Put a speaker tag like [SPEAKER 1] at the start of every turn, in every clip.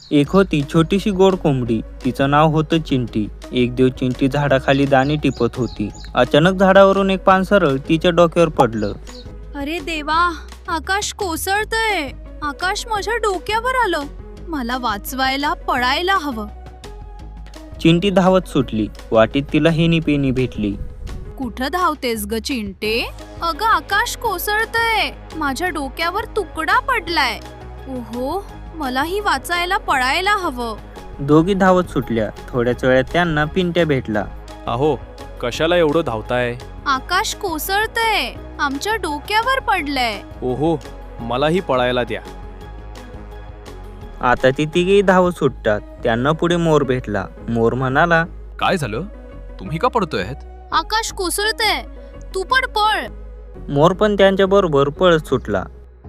[SPEAKER 1] एक होती छोटीशी गोड कोंबडी. तिचं नाव होतं चिंटी. एक दिवस चिंटी झाडाखाली दाणे टिपत होती. अचानक झाडावरून एक पान सरळ तिच्या डोक्यावर पडलं.
[SPEAKER 2] अरे देवा, आकाश कोसळतंय. आकाश माझ्या डोक्यावर आलं. मला वाचवायला पळायला हवं.
[SPEAKER 1] चिंटी धावत सुटली. वाटेत तिला हेनी पेनी भेटली.
[SPEAKER 2] कुठं धावतेस ग चिंटे? अगं आकाश कोसळतंय. माझ्या डोक्यावर तुकडा पडलाय. ओहो, मलाही वाचायला पळायला हवं.
[SPEAKER 1] दोघी धावत सुटल्या. थोड्याच वेळात त्यांना पिंट्या भेटला.
[SPEAKER 3] अहो, कशाला एवढं धावताय?
[SPEAKER 2] आकाश कोसळतंय. आमच्या डोक्यावर पडलंय.
[SPEAKER 3] ओहो, मलाही पळायला द्या.
[SPEAKER 1] आता ती तिघेही धावत सुटतात. त्यांना पुढे मोर भेटला. मोर म्हणाला,
[SPEAKER 4] काय झालं? तुम्ही का पडतोय?
[SPEAKER 2] आकाश कोसळतंय. तू पण पळ.
[SPEAKER 1] मोर पण त्यांच्या बरोबर पळत सुटला.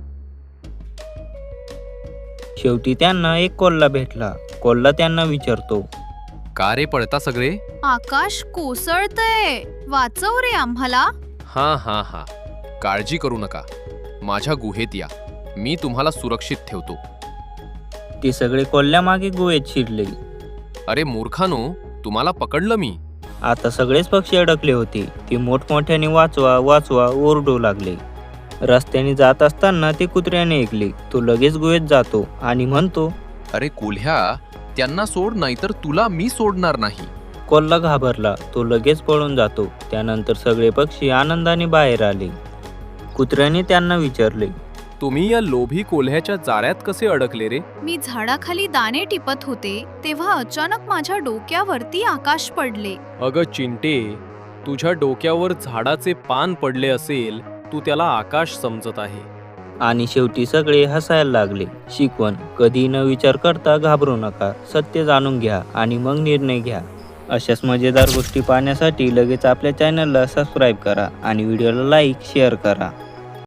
[SPEAKER 1] शेवटी त्यांना एक कोल्हा भेटला. कोल्हा त्यांना विचारतो,
[SPEAKER 4] का रे पळता सगळे?
[SPEAKER 2] आकाश कोसळतंय. वाचव रे आम्हाला.
[SPEAKER 4] हा, काळजी करू नका. माझ्या गुहेत या. मी तुम्हाला सुरक्षित ठेवतो.
[SPEAKER 1] ते सगळे कोल्ह्यामागे गुहेत शिरले.
[SPEAKER 4] अरे मूर्खानो, तुम्हाला पकडलं मी.
[SPEAKER 1] आता सगळेच पक्षी अडकले होते. ते मोठमोठ्याने वाचवा वाचवा ओरडू लागले. रस्त्याने जात असताना ते कुत्र्याने ऐकले. तो लगेच गुहेत जातो आणि म्हणतो,
[SPEAKER 4] अरे कोल्ह्या, त्यांना सोड, नाहीतर तुला मी सोडणार नाही.
[SPEAKER 1] कोल्हा घाबरला. तो लगेच पळून जातो. त्यानंतर सगळे पक्षी आनंदाने बाहेर आले. कुत्र्याने त्यांना विचारले,
[SPEAKER 3] तुम्ही या लोभी कोल्ह्याच्या जाळ्यात कसे अडकले रे?
[SPEAKER 2] मी झाडाखाली दाणे टिपत होते तेव्हा अचानक माझ्या डोक्यावरती आकाश पडले.
[SPEAKER 3] अगं चिंटे, तुझ्या डोक्यावर झाडाचे पान पडले असेल, तू त्याला आकाश समजत आहे.
[SPEAKER 1] आणि शेवटी सगळे हसायला लागले. शिकवण: कधी न विचार करता घाबरू नका. सत्य जाणून घ्या आणि मग निर्णय घ्या. अशाच मजेदार गोष्टी पाहण्यासाठी लगेच आपल्या चॅनलला सबस्क्राईब करा आणि व्हिडिओला लाईक शेअर करा.